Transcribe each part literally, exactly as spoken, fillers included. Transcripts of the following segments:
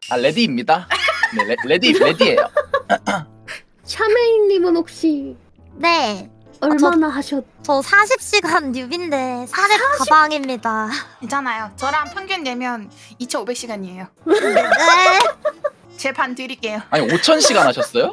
아 레디입니다. 네 레, 레디 레디예요. 샤메인님은 혹시 네. 얼마나 하셨? 저 사십 시간 뉴비인데 사렙 가방입니다. 괜찮아요. 저랑 평균 내면 이천오백 시간이에요. 네. 제 반 드릴게요. 아니 오천 시간 하셨어요?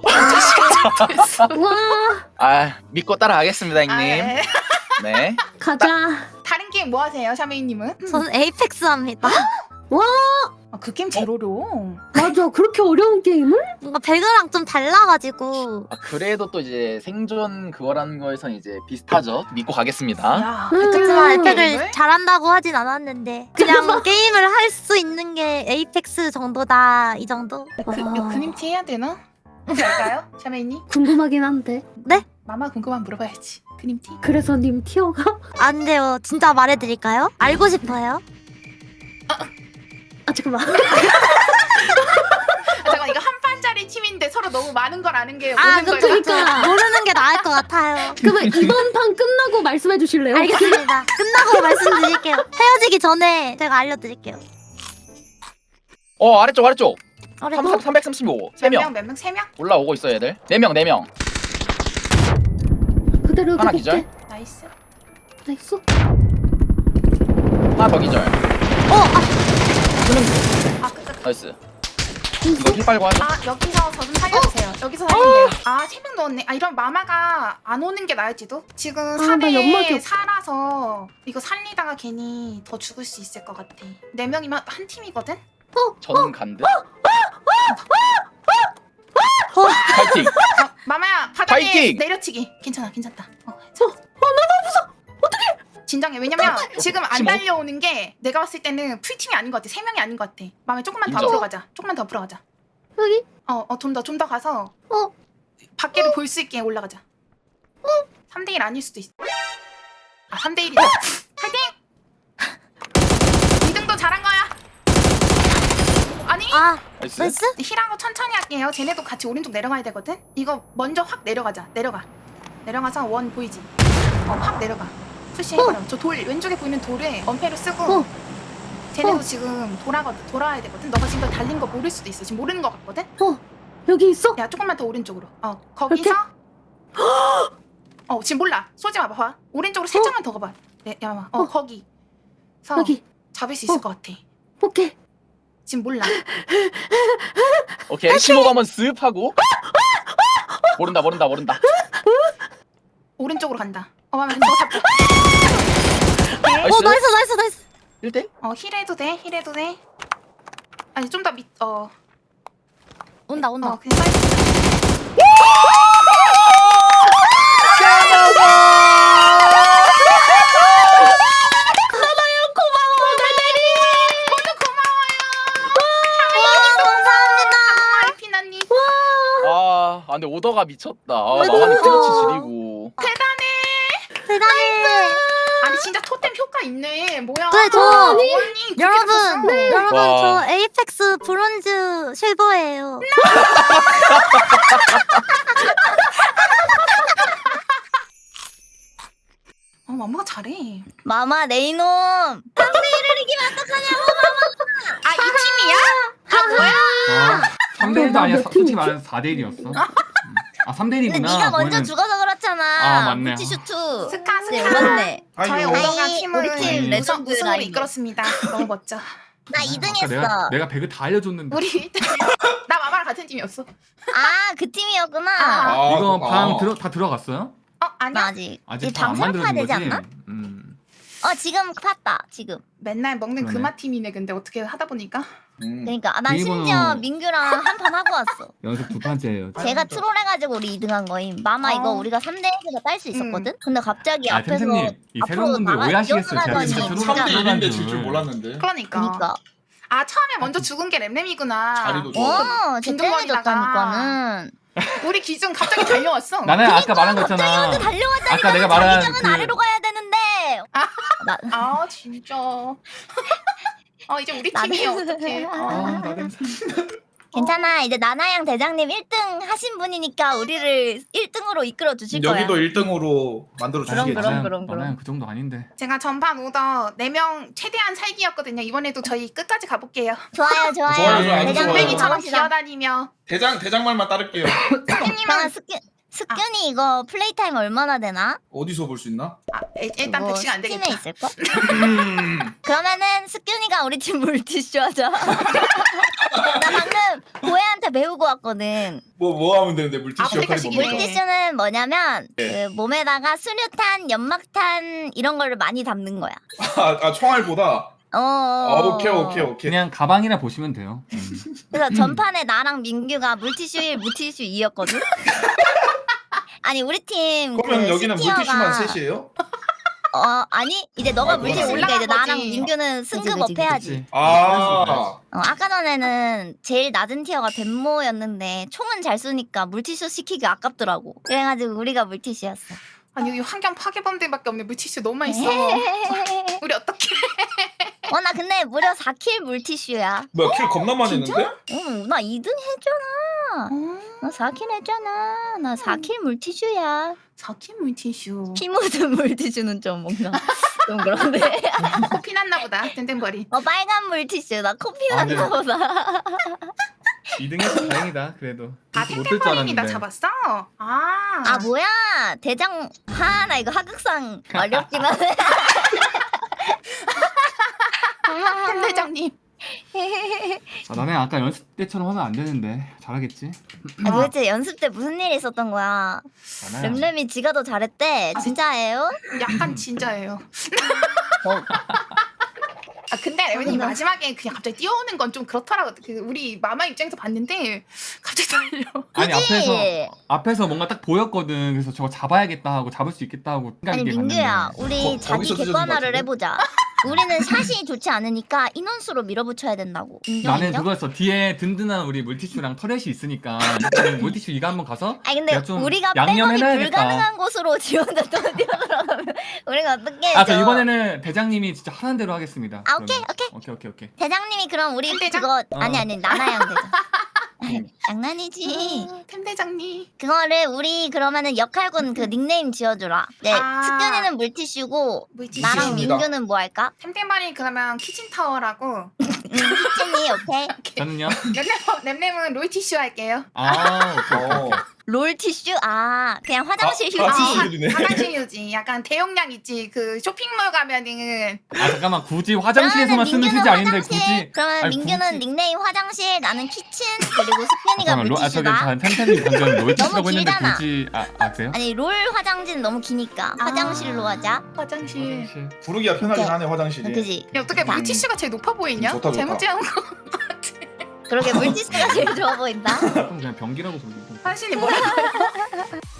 와 아 믿고 따라가겠습니다 형님. 아, 네. 네. 가자. 다른 게임 뭐 하세요, 샤메이님은? 저는 에이펙스 합니다. 와 아, 그 게임 제일 어려워. 맞아 그렇게 어려운 게임을? 뭔가 배그랑 좀 달라가지고. 아, 그래도 또 이제 생존 그거라는 거에선 이제 비슷하죠. 믿고 가겠습니다. 야, 음. 그렇지만 게임을? 에이펙을 잘한다고 하진 않았는데 그냥 게임을 할 수 있는 게 에이펙스 정도다 이 정도? 그, 아. 이거 그님티 해야 되나? 할까요, 샤메이님? 궁금하긴 한데. 마마 궁금한 물어봐야지. 그님티? 그래서 님 티어가? 안 돼요. 진짜 말해드릴까요? 알고 싶어요? 아 잠깐만. 아, 잠깐 이거 한 판짜리 팀인데 서로 너무 많은 걸 아는 게 아, 오는 그쵸, 거예요. 그쵸. 모르는 게 나을 것 같아요. 그러면 이번 판 끝나고 말씀해 주실래요? 알겠습니다. 끝나고 말씀드릴게요. 헤어지기 전에 제가 알려드릴게요. 어 아래쪽 아래쪽. 그래, 삼, 삼백삼십오. 세 몇 명 명, 몇 명? 세 명? 올라오고 있어요 얘들. 네 명 네 명. 그대로 하나 해볼게. 기절? 나이스. 나이스. 하나 더 기절. 어, 아, 아, 그, 그, 나이스. 이거 힐 빨고 하자. 아 여기서 저 좀 살려주세요. 여기서 살리세요. 아, 세 명 넣었네. 아, 이런 마마가 안 오는 게 나을지도? 지금 아, 삼 나 연막이 회 없- 살아서 이거 살리다가 괜히 더 죽을 수 있을 것 같아. 네 명이면 한 팀이거든? 저는 간드. 어. 파이팅. 아, 마마야, 바닥에 파이팅! 내려치기. 괜찮아, 괜찮다. 어, 괜찮아. 어, 너무 무서워. 어떡해. 진정해. 왜냐면 지금 안 십오? 달려오는 게 내가 봤을 때는 풀팀이 아닌 것 같아. 세 명이 아닌 것 같아. 마마야, 조금만 더 인정. 앞으로 가자. 조금만 더 앞으로 가자. 여기? 어, 어, 좀 더, 좀 더 가서 어? 밖에를 볼 수 있게 올라가자. 어? 삼 대 일 아닐 수도 있어. 아, 삼 대 일이다. 파이팅! 이 등도 잘한 거야. 아니, 아, 나이스. 나이스? 힐하고 천천히 할게요. 쟤네도 같이 오른쪽 내려가야 되거든? 이거 먼저 확 내려가자. 내려가. 내려가서 원 보이지? 어, 확 내려가. 푸시해버려. 저 돌, 왼쪽에 보이는 돌에 원패로 쓰고 어. 쟤네도 어. 지금 돌아거든, 돌아야 되거든? 너가 지금 달린 거 모를 수도 있어. 지금 모르는 거 같거든? 어 여기 있어? 야, 조금만 더 오른쪽으로. 어, 거기서 어, 지금 몰라. 쏘지 마. 봐봐. 오른쪽으로 살짝만 더 가봐. 네, 야, 마마. 어, 어. 거기. 서 여기. 잡을 수 있을 어. 것 같아. 오케이. 지금 몰라. 오케이 심호흡 한번 쓱 하고. 모른다 모른다 모른다. 오른쪽으로 간다. 어, 마마, 너 잡자. 오케이. 나이스. 어, 나이스, 나이스, 나이스. 일 대? 어, 힐해도 돼. 힐해도 돼. 아니, 좀 더 밑, 어, 온다, 온다. 어, 그냥 사이즈. 와, 감사합니다. 피나님. 아, 아 근데 오더가 미쳤다. 아, 나만이 피너치 지리고. 대단해. 아니, 진짜 토템 효과 있네. 뭐야. 네, 저- 언니, 그렇게 여러분, 바꿨어. 여러분, 와. 저 에이펙스 브론즈 실버예요. 어, 마마가 잘해. 마마, 내 이놈. 아, 이 팀이야? 아, 뭐야? 아, 삼 대 일도 아니야. 몇 사- 솔직히 팀이지? 말해서 사 대 일이었어. 아, 삼 대 근데 일이구나. 네가 먼저 그거는- 죽어서 그렇잖아. 아, 맞네. 물티슈투. 스카, 네, 스카. 맞네. 저의 아이고. 오더가 아이, 팀을 우리 팀 우선, 레전드 우승으로 라인이네. 이끌었습니다. 너무 멋져. 나 이 등 아까 했어. 내가 내가 배그 다 알려줬는데. 우리 일 등. 나 마마랑 같은 팀이었어. 아, 그 팀이었구나. 아. 이거 아, 방 아. 들어 다 들어갔어요? 어, 나 아니야. 아직. 아직 이제 방 안 방 설파야 만들어진 되지 거지? 않나? 음. 어, 지금 팠다. 지금. 맨날 먹는 그러네. 금화 팀이네. 근데 어떻게 하다 보니까. 음. 그러니까 아, 난 비밀번호- 심지어 민규랑 한 판 하고 왔어. 연속 두 판째예요. 제가 트롤해가지고 우리 이 등 한 거임. 마마 이거 어. 우리가 삼 대 일에서 딸 수 있었거든? 근데 갑자기 아, 앞에서 템템님, 이 새로운 앞으로 분들 나가- 오해하시겠어요. 제가 뛰어나가더니 진짜 진짜 트롤 삼 대 일인데 줄. 질 줄 몰랐는데. 그러니까. 그니까. 아, 처음에 먼저 죽은 게 램램이구나. 자리도 좋아. 어, 쟤 빈둥거리다가. 땡해줬다니까는. 우리 기준 갑자기 달려왔어. 나는 아까 말한 거 있잖아. 먼저 달려왔다니까. 아까 내가 말한 자기장은 그- 아래로 가야 되는데. 아. 나, 아, 진짜. 어, 이제 우리 나는- 팀이야. 어떡해. 아, 어. 나 냄새. 괜찮아. 이제 나나양 대장님 일 등 하신 분이니까 우리를 일 등으로 이끌어 주실 거야. 여기도 일 등으로 만들어 그럼, 주시겠지. 그럼, 그럼, 그럼. 나나양 그 정도 아닌데. 제가 전판 오더 네 명 최대한 살기였거든요. 이번에도 저희 끝까지 가볼게요. 좋아요, 좋아요. 좋아요, 좋아요. 아주 대장님 좋아요. 뺑이처럼 가봅시다. 기어다니며. 대장 대장 말만 따를게요. 잠깐만, 님 스큐, 스큐니 이거 플레이 타임 얼마나 되나? 어디서 볼 수 있나? 아, 일- 일단 뭐 백 시간 안 되겠다. 스팀에 있을걸? 음. 그러면은 스큐니가 우리 팀 물티슈 하자. 나 방금 고해한테 배우고 왔거든. 뭐 뭐 하면 되는데 물티슈 아, 역할이 물티슈 뭡니까? 물티슈는 뭐냐면 예. 그 몸에다가 수류탄, 연막탄 이런 거를 많이 담는 거야. 아, 아 총알보다. 어. 아, 오케이 오케이 오케이. 그냥 가방이나 보시면 돼요. 음. 그래서 전판에 나랑 민규가 물티슈 일, 물티슈 이였거든. 아니 우리 팀 그러면 그 여기는 스티어가- 물티슈만 셋이에요? 어 아니 이제 너가 아, 물티슈 그거는 올리니까 이제 올라간 나랑 거지. 민규는 승급 그치, 업 해야지. 그치. 아. 어, 아까 전에는 제일 낮은 티어가 덴모였는데 총은 잘 쏘니까 물티슈 시키기 아깝더라고. 그래가지고 우리가 물티슈였어. 아니 여기 환경 파괴범들밖에 없네. 물티슈 너무 많이 써. 우리 어떻게? 어 나 근데 무려 사 킬 물티슈야. 뭐야 킬 겁나 많이 진짜? 했는데? 응, 나 이 등 했잖아. 나 사 킬 했잖아. 나 사 킬 물티슈야. 사킨 물티슈. 피 묻은 물티슈는 좀 뭔가 좀 그런데. 코피 났나 보다. 땡땡거리. 어 빨간 물티슈. 나 코피 아, 네. 났나 보다. 이 등해서 다행이다. 그래도. 아 못될 줄 땡땡거리니 나 알았는데. 잡았어? 아. 아 뭐야 대장. 하 나 이거 하극상 어렵긴 하네. 템대장님. 아, 나는 아까 연습 때처럼 하면 안 되는데 잘하겠지? 아, 도대체 연습 때 무슨 일이 있었던 거야? 나나야. 램램이 지가 더 잘했대. 진짜예요? 약간 진짜예요. 어. 아 근데 레몬이 나- 마지막에 그냥 갑자기 뛰어오는 건 좀 그렇더라고. 그 우리 마마 입장에서 봤는데 갑자기 달려. 아니 그치? 앞에서 앞에서 뭔가 딱 보였거든. 그래서 저거 잡아야겠다 하고 잡을 수 있겠다 하고 생각 아니 있게 민규야 갔는데. 우리 거- 자기 거기서 찢어진 것 객관화를 같은데? 해보자. 우리는 샷이 좋지 않으니까 인원수로 밀어붙여야 된다고. 인정 나는 인정? 그거였어. 뒤에 든든한 우리 물티슈랑 터렛이 있으니까 일단은 물티슈 이가 한번 가서 아니 근데 내가 좀 우리가 백업이 양념해놔야겠다. 불가능한 곳으로 지 혼자 또 뛰어들어가면 우리가 어떻게 해줘? 아, 저 이번에는 대장님이 진짜 하는 대로 하겠습니다. 아, 오케이, 그러면. 오케이. 오케이 오케이 오케이. 대장님이 그럼 우리 대장? 그거 어. 아니 아니 나나양 대장. 아니, 장난이지. 아, 템대장님. 그거를 우리 그러면은 역할군 그 닉네임 지어주라. 네, 아. 스균이는 물티슈고 물티슈. 나랑 물티슈입니다. 민규는 뭐 할까? 템템발이 그러면 키친타워라고. 음, 키친이 오케이. 저는요? 랩랩 랩랩은 롤티슈 할게요. 아 오케이 오케이. 어. 오케이. 롤 티슈? 아 그냥 화장실 아, 휴지. 아, 휴지네. 화장실 휴지. 약간 대용량 있지. 그 쇼핑몰 가면은 아 잠깐만 굳이 화장실에서만 쓰는 민규는 휴지 아닌데 화장실. 굳이. 그러면 아니, 민규는 굳이- 닉네임 화장실, 나는 키친, 그리고 스균이가 잠깐만 로, 아 저기 물티슈다. 템템이 방금 롤티슈라고 너무 했는데 길잖아. 굳이 아, 아 그래요? 아니 롤 화장지는 너무 기니까 아. 화장실로 하자. 화장실. 화장실. 부르기가 편하긴 오케이. 하네 화장실이. 그지? 야, 어떻게 물티슈가 제일 높아 보이냐? 음, 좋다, 좋다. 잘못 지은 거. 그러게 물티슈가 제일 좋아 보인다. 그럼 그냥 변기라고 부르고. 사실이 뭐야?